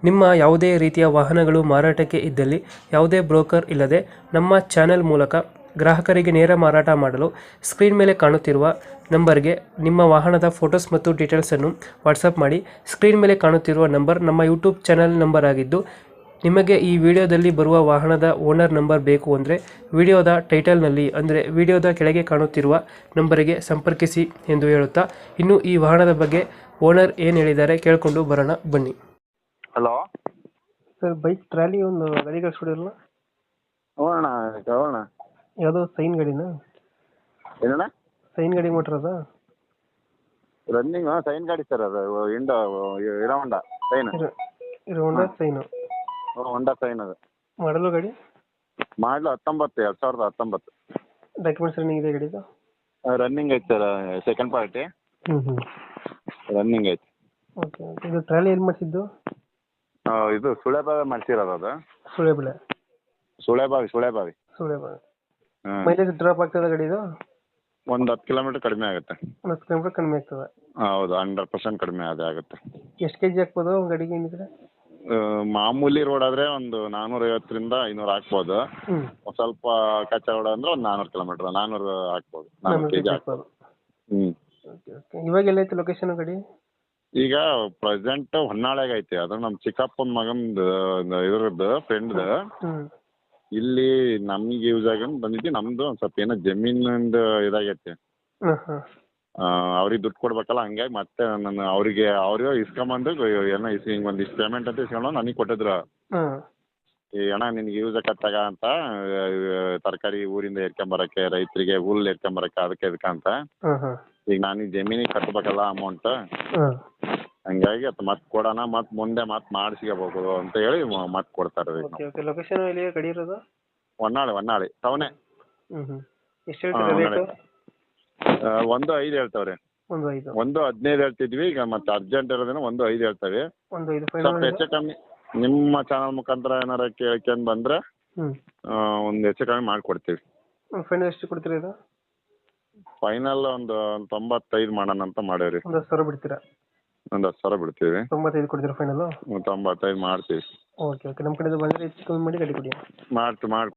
ನಿಮ್ಮ ಯಾವುದೇ ರೀತಿಯ ವಾಹನಗಳು ಮಾರಾಟಕ್ಕೆ ಇದ್ದಲ್ಲಿ ಯಾವುದೇ ಬ್ರೋಕರ್ ಇಲ್ಲದೆ ನಮ್ಮ ಚಾನೆಲ್ ಮೂಲಕ ಗ್ರಾಹಕರಿಗೆ ನೇರ ಮಾರಾಟ ಮಾಡಲು ಸ್ಕ್ರೀನ್ ಮೇಲೆ ಕಾಣುತ್ತಿರುವ ನಂಬರ್ಗೆ ನಿಮ್ಮ ವಾಹನದ ಫೋಟೋಸ್ ಮತ್ತು ಡೀಟೇಲ್ಸನ್ನು ವಾಟ್ಸಪ್ ಮಾಡಿ. ಸ್ಕ್ರೀನ್ ಮೇಲೆ ಕಾಣುತ್ತಿರುವ ನಂಬರ್ ನಮ್ಮ ಯೂಟ್ಯೂಬ್ ಚಾನೆಲ್ ನಂಬರ್ ಆಗಿದ್ದು, ನಿಮಗೆ ಈ ವಿಡಿಯೋದಲ್ಲಿ ಬರುವ ವಾಹನದ ಓನರ್ ನಂಬರ್ ಬೇಕು ಅಂದರೆ ವಿಡಿಯೋದ ಟೈಟಲ್ನಲ್ಲಿ ಅಂದರೆ ವಿಡಿಯೋದ ಕೆಳಗೆ ಕಾಣುತ್ತಿರುವ ನಂಬರಿಗೆ ಸಂಪರ್ಕಿಸಿ ಎಂದು ಹೇಳುತ್ತಾ, ಇನ್ನು ಈ ವಾಹನದ ಬಗ್ಗೆ ಓನರ್ ಏನು ಹೇಳಿದ್ದಾರೆ ಕೇಳಿಕೊಂಡು ಬರೋಣ ಬನ್ನಿ. ಹಲೋ ಸರ್, ಬೈಕ್ ಟ್ರಾಲಿ ಒಂದು ಗಾಡಿ ಕಳಿಸ್ಬಿಡಿರಲ್ಲ. ಹೋಗೋಣ ಹೋಗೋಣ. ಯಾವುದೋ ಸೈನ್ ಗಾಡಿನಾ? ಏನಣ್ಣ? ಸೈನ್ ಗಾಡಿ ಮೋಟ್ರ್ ಅದ? ರನ್ನಿಂಗ್ ಸೈನ್ ಗಾಡಿ ಸರ್, ಅದು ಹೀರೋ ಹೊಂಡಾ ಸೈನ್. ಇದು ಹೋಂಡಾ ಸೈನು? ಹೊಂಡಾ ಸೈನ್. ಅದು ಮಾಡಲು ಗಾಡಿ? ಮಾಡಲು 2019. ಡಾಕ್ಯುಮೆಂಟ್ಸ್ ರನ್ನಿಂಗ್ ಇದೆ ಗಾಡಿದು? ರನ್ನಿಂಗ್ ಐತೆ ಸರ್, ಸೆಕೆಂಡ್ ಪಾರ್ಟಿ ರನ್ನಿಂಗ್ ಐತೆ. ಓಕೆ. ಇದು ಟ್ರಾಲಿ ಏನು ಮಾಡಿಸಿದ್ದು? ಇದು ಸುಳೆಬಾವಿ ಮಾಡ್ಸಿರೋದು. ಅದು ಸುಳೆಬೆಳೆ? ಸುಳೆಬಾವಿ. ಮೈಲೇಜ್ ಡ್ರಾಪ್ ಆಗ್ತದೆ ಗಾಡಿದು? ಒಂದು 10 ಕಿಲೋಮೀಟರ್ ಕಡಿಮೆ ಆಗುತ್ತೆ. 10 ಕಿಲೋಮೀಟರ್ ಕಡಿಮೆ ಆಗ್ತದೆ? ಹೌದು, 100% ಕಡಿಮೆ ಆಗುತ್ತೆ. ಎಷ್ಟು ಕೆಜಿ ಹಾಕ್ಬೋದು ಗಾಡಿಗೆ ಏನಿದ್ರೆ? ಮಾಮೂಲಿ ರೋಡ್ ಆದರೆ ಒಂದು 450ರಿಂದ 500 ಹಾಕ್ಬೋದು. ಸ್ವಲ್ಪ ಕಚ್ಚಾ ರೋಡ್ ಅಂದ್ರೆ ಒಂದು 400 ಕಿಲೋಮೀಟರ್ 400 ಹಾಕ್ಬೋದು. 400 ಕೆಜಿ ಹಾಕ್ಬೋದು. ಇವಾಗ ಎಲ್ಲೈತೆ ಲೊಕೇಶನ್ ಗಾಡಿ? ಈಗ ಪ್ರೆಸೆಂಟ್ ಹೊನ್ನಾಳೆಗೆ ಐತಿ. ಅದು ನಮ್ಮ ಚಿಕ್ಕಪ್ಪನ ಮಗಂದು ಇದ್ರದ್ದು ಫ್ರೆಂಡ್ದು. ಇಲ್ಲಿ ನಮ್ಗೆ ಯೂಸ್ ಆಗಿ ಬಂದಿದ್ದು. ನಮ್ದು ಒಂದು ಸ್ವಲ್ಪ ಏನೋ ಜಮೀನಿಂದ ಇದಾಗೈತಿ. ಅವ್ರಿಗೆ ದುಡ್ಡು ಕೊಡ್ಬೇಕಲ್ಲ, ಹಂಗಾಗಿ ಮತ್ತೆ ನಾನು ಅವ್ರಿಗೆ ಇಸ್ಕೊಂಬಂದು ಏನೋ ಹಿಂಗೆ ಒಂದಿಷ್ಟು ಪೇಮೆಂಟ್ ಅಂತ ಇಸ್ಕೊಂಡು ನನಗೆ ಕೊಟ್ಟಿದ್ರು. ಈ ಅಣ್ಣ ನಿನ್ಗೆ ಯೂಸ್ ಆಕತ್ತಾಗ ಅಂತ, ತರಕಾರಿ ಊರಿಂದ ಎರ್ಕೊಂಬರಕ್ಕೆ, ರೈತರಿಗೆ ಹುಲ್ಲು ಎರ್ಕೊಂಬರಕ್ಕೆ, ಅದಕ್ಕೆ ಅಂತ. ಈಗ ನಾನು ಈ ಜಮೀನಿಗೆ ಕಟ್ಟಬೇಕಲ್ಲ ಅಮೌಂಟ್, ಹಂಗಾಗಿ ಅದು ಮತ್ತೆ ಕೊಡೋಣ, ಮತ್ತೆ ಮುಂದೆ ಮತ್ತೆ ಮಾಡಿಸ್ಕೋಬೇಕು ಅಂತ ಹೇಳಿ ಮತ್ತೆ ಕೊಡ್ತಾರೆ. ಲೊಕೇಶನ್ ಎಲ್ಲಿ ಗಾಡಿ ಇರೋದು? ಹೊನ್ನಾಳಿ ಟೌನೇ. ಎಷ್ಟು ಹೇಳ್ತೀರಾ ರೇಟು? 1.5 ಹೇಳ್ತಾವ್ರಿ. 1.15 ಹೇಳ್ತಿದ್ವಿ. ಈಗ ಮತ್ತೆ ಅರ್ಜೆಂಟ್ ಇರೋದೇನೋ 1.5 ಹೇಳ್ತಾವೆ. ಸ್ವಲ್ಪ ಹೆಚ್ಚು ಕಮ್ಮಿ ನಿಮ್ಮ ಚಾನಲ್ ಮುಖಾಂತರ ಏನಾರ ಕೇಳ್ಕೊಂಡ್ ಬಂದ್ರೆ ಒಂದು ಹೆಚ್ಚು ಕಮ್ಮಿ ಮಾಡಿಕೊಡ್ತೀವಿ. ಫೈನಲ್ ಎಷ್ಟು ಕೊಡ್ತೀರಾ ಇದು? ಫೈನಲ್ ಒಂದು 95 ಮಾಡೋಣ ಅಂತ ಮಾಡೇವ್ರಿ. 10,000 ಬಿಡ್ತೀರಾ? ಒಂದು 10,000 ಬಿಡ್ತೀವಿ. 95 ಕೊಡ್ತೀರಾ ಫೈನಲ್? 95 ಮಾಡ್ತೀವಿ. ಓಕೆ. ನಮ್ಮ ಕಡೆ ಬಂದರೆ ಹೆಚ್ಚು ಕಮ್ಮಿ ಮಾಡಿ ಗಾಡಿ ಕೊಡಿ. ಮಾಡ್ತೀವಿ.